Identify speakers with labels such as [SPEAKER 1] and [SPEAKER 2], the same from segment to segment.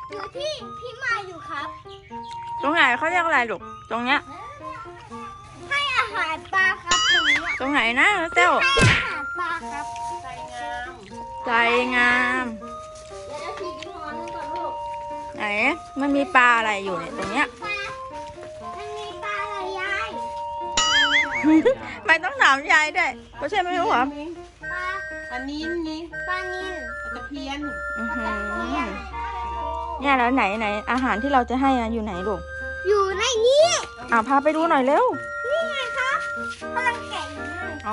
[SPEAKER 1] อยู่ที่พี่มาอยู่ครับ
[SPEAKER 2] ตรงไหนเขาเรียกอะไรลูกตรงเนี้ย
[SPEAKER 1] ให้อาหารปลาครับตรงนี้
[SPEAKER 2] ตรงไหนนะเต้ว
[SPEAKER 1] ให้อาหารปลาครับ
[SPEAKER 2] ใจงาม
[SPEAKER 1] เดี๋ยวทีนี้นอนก่อนลูก
[SPEAKER 2] ไหนมันมีปลาอะไรอยู่เนี่ยตรงเนี้ย
[SPEAKER 1] ปลามันมีปลาอะไรยาย
[SPEAKER 2] ไม่ต้องถามยายด้วยเพราะใช่ไม่รู้เหรอ
[SPEAKER 1] ปลา
[SPEAKER 3] อันนี้นี่
[SPEAKER 1] ปลานิล
[SPEAKER 3] ตะเพียน
[SPEAKER 2] อื้อหือเนี่ยแล้วไหนอาหารที่เราจะให้อยู่ไหนลูก
[SPEAKER 1] อยู่ในนี้
[SPEAKER 2] พาไปดูหน่อยเร็ว
[SPEAKER 1] นี่ไงครับกำลังแกะอยู่เลย
[SPEAKER 2] อ๋อ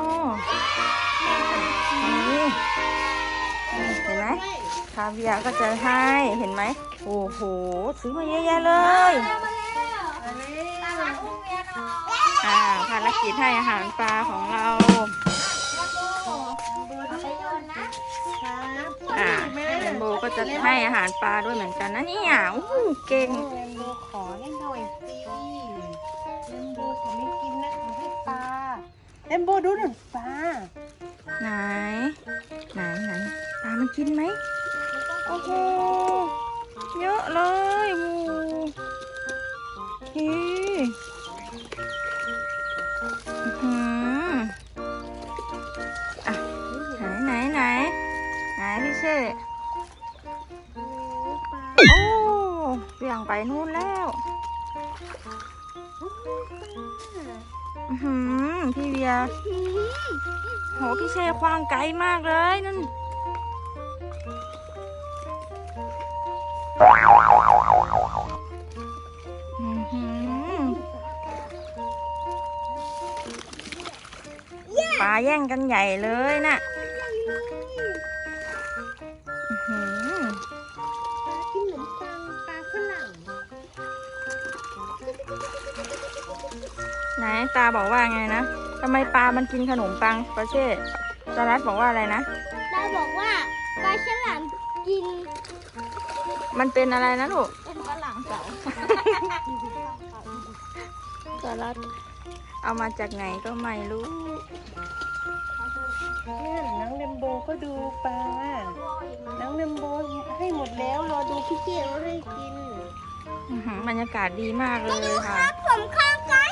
[SPEAKER 2] นี่เห็นไหมคาเวียร์ก็จะให้เห็นไหมโอ้โหซื้อมาเยอะแยะเลย
[SPEAKER 1] มาแล้วตาลัดอุ้มเมียหน่อย
[SPEAKER 2] ภารกิจให้อาหารปลาของเรา
[SPEAKER 1] ไปโยนนะ
[SPEAKER 2] เรนโบก็จะให้อาหารปลาด้วยเหมือนกันนะเนี่ยโอ้โหเก่ง
[SPEAKER 3] เรนโบขอเล่นหน่อยสิเรนโบขอไม่กินนะขอให้ปลาเรนโบดูหน่อยปลา
[SPEAKER 2] ไหนปลามันกินไหมโอ้โหเยอะเลยโอ้โหอื้อหือไหนพี่เช่โอ้เบี่ยงไปนู่นแล้วพี่เวียโหพี่เช่คว้างไกลมากเลยนั่นปลาแย่งกันใหญ่เลยน่ะ
[SPEAKER 1] ปลากินขนมปังปลาฝรั่ง
[SPEAKER 2] ไหนตาบอกว่าไงนะทำไมปลามันกินขนมปังปลาเช่จารัสบอกว่าอะไรนะ
[SPEAKER 1] ตาบอกว่าปลาฉลามกิน
[SPEAKER 2] มันเป็นอะไรนะลูก
[SPEAKER 1] เป็นฝรั่งเก่า
[SPEAKER 2] จารัสเอามาจากไหนก็ไม่รู้
[SPEAKER 3] เนี่ยน้องเรนโบก็ดูปลาน้องเรนโบให้หมดแล้วรอดูพี่เจี๊ยบให้กิน
[SPEAKER 2] บรรยากาศดีมากเลยค่ะ
[SPEAKER 1] ผมข้างไกล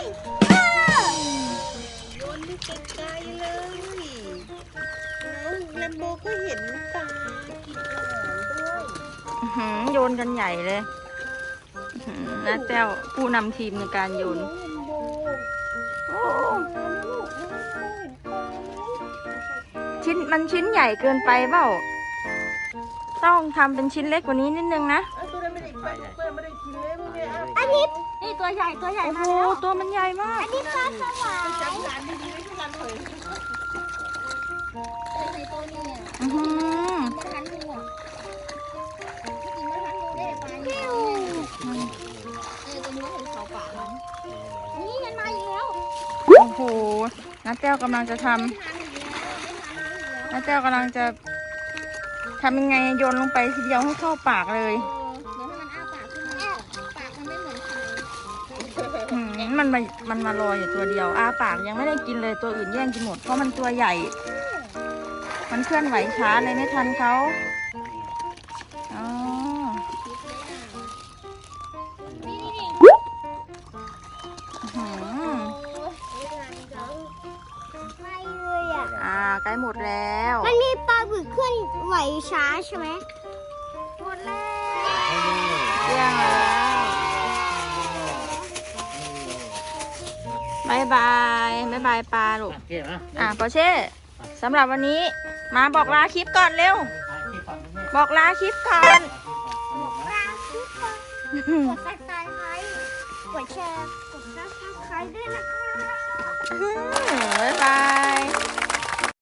[SPEAKER 3] โยนไปไกลๆเลยน้องเรนโบก็เห็นปลากินอาหารด้วย
[SPEAKER 2] โยนกันใหญ่เลยน้าแต้วผู้นำทีมในการโยน
[SPEAKER 3] น้องเรนโบ
[SPEAKER 2] โอ้
[SPEAKER 3] ลูกน้องเห็นปลาไหม
[SPEAKER 2] ชิ้นใหญ่เกินไปเปล่าต้องทำเป็นชิ้นเล็กกว่านี้นิดนึงนะ
[SPEAKER 3] ตัวนั้นไม่ได้ปลาเพื่อนไม่ได้กินเลยพวกเนี้ย
[SPEAKER 1] อันนี้นี่ตัวใหญ่
[SPEAKER 2] โอ้โหตัวมันใหญ่มาก
[SPEAKER 1] อันนี้ปลาสวาย
[SPEAKER 3] จับหลานดีๆไม่ใช่การเผย
[SPEAKER 1] ในตัวนี้
[SPEAKER 2] อื้อหือ
[SPEAKER 1] มาทันงูอ่ะกินมาทันงูได้ปลาเนี่ยตัวนี้เห็นเขาป่ามันนี่มันมาอีกแล้ว
[SPEAKER 2] โอ้โหน้าแต้วกำลังจะทำน้าแต้วกำลังจะทำยังไงโยนลงไปทีเดียวให้เข้าปากเลย
[SPEAKER 1] เดี๋ยวให้มันอ้าปากขึ้นมาปากมันไม่เหมือนใคร
[SPEAKER 2] มันมารออยู่ตัวเดียวอ้าปากยังไม่ได้กินเลยตัวอื่นแย่งกินหมดเพราะมันตัวใหญ่ มันเคลื่อนไหวช้าเลยไม่ทันเขาอ๋อ
[SPEAKER 1] นี่
[SPEAKER 2] อื้อหือ
[SPEAKER 1] ไม่เลยอ่ะ
[SPEAKER 2] ใกล้หมดแล้ว
[SPEAKER 1] มันมีปลาบึกเคลื่อนไหวช้าใช่ไหมหมดแล้ว
[SPEAKER 2] เที่ยงแล้วบายบายปลาลูกปอเช่สำหรับวันนี้มาบอกลาคลิปก่อนเร็ว บอกลาคลิปก่อน
[SPEAKER 1] ปลาคือปลากดติดตามกดแชร์กดซับสไครต์ด้วยนะคะ
[SPEAKER 2] บ๊ายบาย